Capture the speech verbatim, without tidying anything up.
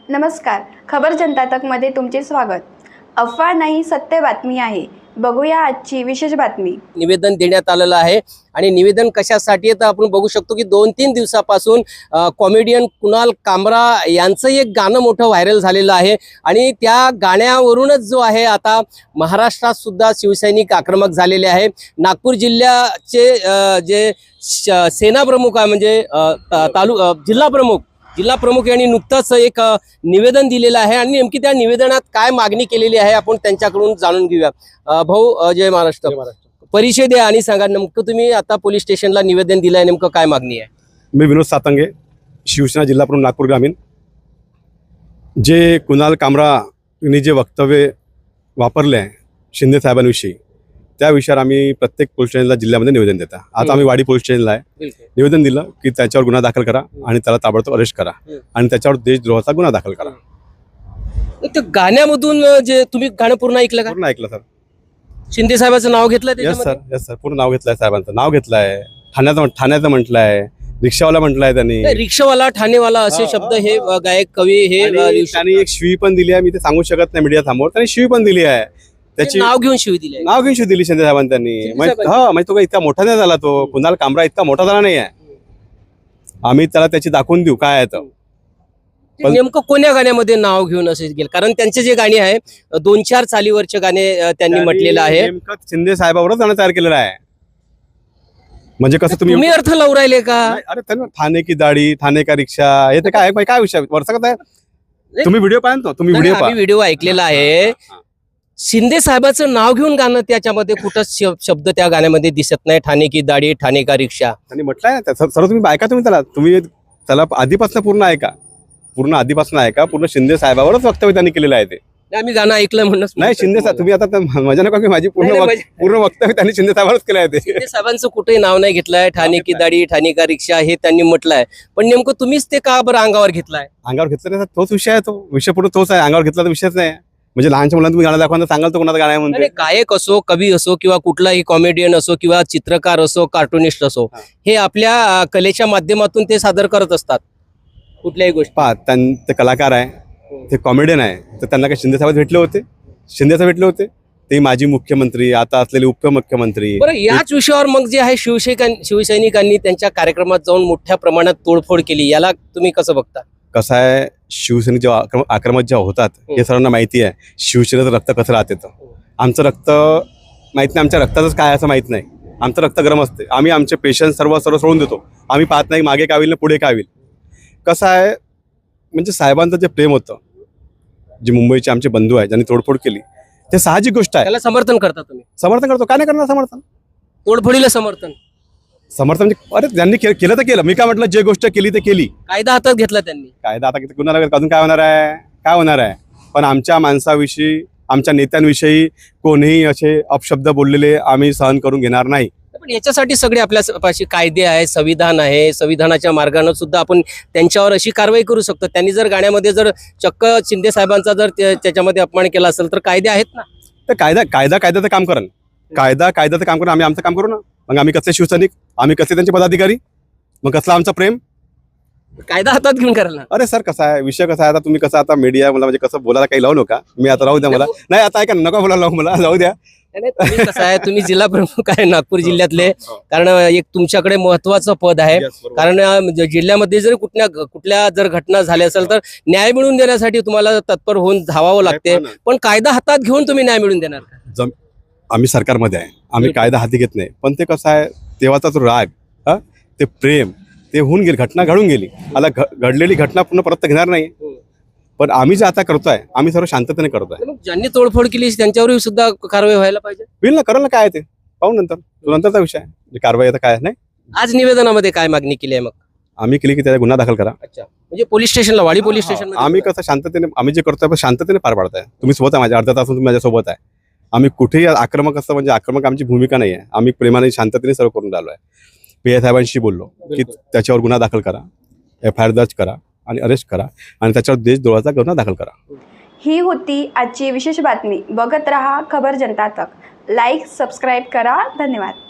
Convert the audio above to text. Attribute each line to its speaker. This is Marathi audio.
Speaker 1: नमस्कार, खबर जनता तकमध्ये तुमचे स्वागत। अफवा नाही, सत्य बातमी आहे। बघूया आजची विशेष बातमी।
Speaker 2: निवेदन देण्यात आलेलं आहे आणि निवेदन कशासाठी आहे तर आपण बघू शकतो की दोन तीन दिवसापासून कॉमेडियन कुणाल कामरा यांचं एक गाणं मोठं व्हायरल झालेलं आहे आणि त्या गाण्यावरूनच जो आहे आता महाराष्ट्रात सुद्धा शिवसैनिक आक्रमक झालेले आहे। नागपूर जिल्ह्याचे जे सेना प्रमुख आहे म्हणजे तालु जिल्हा प्रमुख जिल्हा प्रमुख यांनी नुकतंच एक निवेदन दिलेलं आहे आणि नेमकी त्या निवेदनात काय मागणी केलेली आहे आपण त्यांच्याकडून जाणून घेऊया। भाऊ, जय महाराष्ट्र। परिचय द्या आणि सांगा, नेमकं तुम्ही आता पोलीस स्टेशनला निवेदन दिलंय, नेमकं काय मागणी आहे?
Speaker 3: मी विनोद सातंगे, शिवसेना जिल्हा प्रमुख नागपूर ग्रामीण। जे कुणाल कामरा यांनी जे वक्तव्य वापरले आहे शिंदे साहेबांविषयी, त्या विषयावर आम्ही प्रत्येक पोलीस स्टेशनला जिल्ह्यामध्ये निवेदन देता। आता आम्ही वाडी पोलीस स्टेशनला आहे, निवेदन दिलं की त्याच्यावर गुन्हा दाखल करा आणि त्याला ताबडतोब अरेस्ट करा आणि त्याच्यावर देशद्रोहाचा गुन्हा दाखल करा।
Speaker 2: त्या गाण्यामधून जे तुम्ही गाणं पूर्ण ऐकलं का?
Speaker 3: पूर्ण ऐकलं सर।
Speaker 2: शिंदे साहेबांचं नाव घेतलं?
Speaker 3: यस सर, यस सर, पूर्ण नाव घेतलंय, साहेबांचं नाव घेतलंय, ठाण्याचं ठाण्याचं म्हटलंय, रिक्षावाला म्हटलंय त्यांनी,
Speaker 2: रिक्षावाला ठाणेवाला असे शब्द हे गायक कवी हे
Speaker 3: त्यांनी एक शिवी पण दिली आहे। मी ते सांगू शकत नाही मीडिया समोर, त्यांनी शिवी पण दिली आहे, त्याची
Speaker 2: नाव घेऊन शिवी दिली
Speaker 3: नाव घेऊन शिवी दिली शिंदे साहेबांनी त्यांनी। हा म्हणजे तो काही इतका मोठा नाही झाला, तो कुणाल कामरा इतका मोठा झाला नाही आहे। आम्ही त्याला त्याची दाखवून देऊ काय आहे तर
Speaker 2: नेमकं कोण्या गाण्यामध्ये नाव घेऊन असे गेले, कारण त्यांचे जे गाणे आहे दोन चार चालीवरचे गाणे त्यांनी म्हटलेलं आहे।
Speaker 3: नेमकं शिंदे साहेबावरच गाणं तयार केलेलं आहे। म्हणजे कसं तुम्ही
Speaker 2: तुम्ही अर्थ लावून राहिले का?
Speaker 3: अरे त्यांना ठाणे की दाढी, ठाणे का रिक्षा, हे तर काय काय विषय वर्षात आहे? तुम्ही व्हिडिओ पाहिला, तुम्ही व्हिडिओ पाहा,
Speaker 2: व्हिडिओ ऐकलेला आहे। शिंदे साहेबाचं नाव घेऊन गाणं, त्याच्यामध्ये कुठंच शब्द त्या गाण्यामध्ये दिसत नाही, ठाणे की दाढी, ठाणे का रिक्षा
Speaker 3: त्यांनी म्हटलंय ना। सर्व तुम्ही ऐका, तुम्ही त्याला तुम्ही त्याला आधीपासून पूर्ण ऐका, पूर्ण आधीपासून ऐका, पूर्ण शिंदे साहेबावरच वक्तव्य त्यांनी केलेलं आहे ते।
Speaker 2: आम्ही गाणं ऐकलं म्हणून
Speaker 3: नाही, शिंदे साहेब तुम्ही आता मजा नका की माझी पूर्ण पूर्ण वक्तव्य त्यांनी शिंदे साहेबावरच केलं आहे ते।
Speaker 2: शिंदे साहेबांचं कुठेही नाव नाही घेतलंय, ठाणे की दाढी, ठाणे का रिक्षा हे त्यांनी म्हटलंय, पण नेमकं तुम्हीच ते का बरं अंगावर घेतलाय? अंगावर
Speaker 3: घेतलं नाही, तोच विषय आहे, तो विषय पूर्ण तोच आहे। अंगावर घेतला तर विषयच नाही, म्हणजे लहानच्या मुलांना तुम्ही गाणं दाखवा सांगाल तर कोणाचं गाणं आहे म्हणते?
Speaker 2: गायक असो, कवी असो किंवा कुठलाही कॉमेडियन असो किंवा चित्रकार असो, कार्टुनिस्ट असो, हे आपल्या कलेच्या माध्यमातून ते सादर करत असतात कुठल्याही गोष्टी।
Speaker 3: पहा, ते कलाकार आहे, ते कॉमेडियन आहे, तर त्यांना काही शिंदे साहेब भेटले होते? शिंदे साहेब भेटले होते, ते माजी मुख्यमंत्री, आता असलेले उपमुख्यमंत्री।
Speaker 2: बरं, याच विषयावर मग जे आहे शिवसैनिकां शिवसैनिकांनी त्यांच्या कार्यक्रमात जाऊन मोठ्या प्रमाणात तोडफोड केली, याला तुम्ही कसं बघता?
Speaker 3: कसं आहे, शिवसेने जेव्हा आक्रमक आक्रमक जेव्हा होतात हे सर्वांना माहिती आहे, शिवसेनेचं रक्त कसं राहते तर आमचं रक्त माहित नाही, आमच्या रक्तातच काय असं माहित नाही, आमचं रक्त गरम असते। आम्ही आमचे पेशंट सर्व सर्व सोडून देतो, आम्ही पाहत नाही मागे काय होईल ना पुढे काय होईल। कसं आहे, म्हणजे साहेबांचं जे प्रेम होतं, जे मुंबईचे आमचे बंधू आहेत ज्यांनी तोडफोड केली, ते साहजिक गोष्ट आहे।
Speaker 2: त्याला समर्थन करता तुम्ही?
Speaker 3: समर्थन करतो, काय नाही करणार समर्थन?
Speaker 2: तोडफोडीला समर्थन
Speaker 3: समर्थन म्हणजे अरे त्यांनी केलं तर केलं, मी काय म्हटलं, जे गोष्ट केली ते केली।
Speaker 2: कायदा हातात घेतला त्यांनी,
Speaker 3: कायदा आता कुणाला अजून काय होणार आहे, काय होणार आहे? पण आमच्या माणसाविषयी, आमच्या नेत्यांविषयी कोणीही असे अपशब्द बोललेले आम्ही सहन करून घेणार नाही।
Speaker 2: पण याच्यासाठी सगळे आपल्यापाशी कायदे आहे, संविधान आहे, संविधानाच्या मार्गाने सुद्धा आपण त्यांच्यावर अशी कारवाई करू शकतो। त्यांनी जर गाण्यामध्ये जर चक्क शिंदे साहेबांचा जर त्याच्यामध्ये अपमान केला असेल तर कायदे आहेत ना।
Speaker 3: तर कायदा कायदा कायद्याचं काम करा, कायदा कायद्याचं काम करा, आम्ही आमचं काम करू ना। मग आम्ही कसले शिवसैनिक, आम्ही कसे त्यांचे पदाधिकारी, मग कसला आमचं प्रेम?
Speaker 2: कायदा हातात घेऊन करायला?
Speaker 3: अरे सर, कसा आहे विषय, कसा आहे आता तुम्ही कसं आता मीडिया मला म्हणजे कसं बोलायला काही लावू नका, मी आता राहू द्या मला, नाही आता ऐका नका बोलायला लावू मला, जाऊ द्या।
Speaker 2: कसं आहे, तुम्ही जिल्हा प्रमुख आहे नागपूर जिल्ह्यातले, कारण एक तुमच्याकडे महत्वाचं पद आहे, कारण जिल्ह्यामध्ये जर कुठल्या कुठल्या जर घटना झाल्या असेल तर न्याय मिळवून देण्यासाठी तुम्हाला तत्पर होऊन धावावं लागते, पण कायदा हातात घेऊन तुम्ही न्याय मिळवून देणार का?
Speaker 3: आम्ही सरकारमध्ये आहे, आम्ही कायदा हाती घेत नाही, पण ते कसं आहे, तेव्हाचा तो राग, हा ते प्रेम, ते होऊन गेली, घटना घडून गेली, आता घडलेली घटना पुन्हा परत घेणार नाही। पण आम्ही जे आता करतोय, आम्ही सर्व शांततेने करतोय।
Speaker 2: ज्यांनी तोडफोड केली त्यांच्यावरही सुद्धा कारवाई व्हायला पाहिजे।
Speaker 3: होईल ना, करा ना, काय ते पाहू नंतर, नंतरचा विषय आहे, कारवाई आता काय नाही।
Speaker 2: आज निवेदनामध्ये काय मागणी केली आहे मग?
Speaker 3: आम्ही केली की त्याचा गुन्हा दाखल करा।
Speaker 2: अच्छा, म्हणजे पोलीस स्टेशनला, वाडी पोलीस स्टेशन
Speaker 3: आम्ही कसं शांततेने आम्ही जे करतोय शांततेने पार पाडताय। तुम्ही सोबत आहे, माझ्या अर्ध्या तासून तुम्ही माझ्यासोबत आहे। आम्ही कुठेही आक्रमक असतं म्हणजे आक्रमक आमची भूमिका नाही आहे, आम्ही प्रेमाने शांततेने सर्व करून राहिलो आहे। पी आय साहेबांशी बोललो की त्याच्यावर गुन्हा दाखल करा, एफ आय आर दर्ज करा आणि अरेस्ट करा आणि त्याच्यावर देशद्रोहाचा गुन्हा दाखल करा।
Speaker 1: ही होती आजची विशेष बातमी। बघत रहा खबर जनता तक। लाईक, सबस्क्राईब करा। धन्यवाद।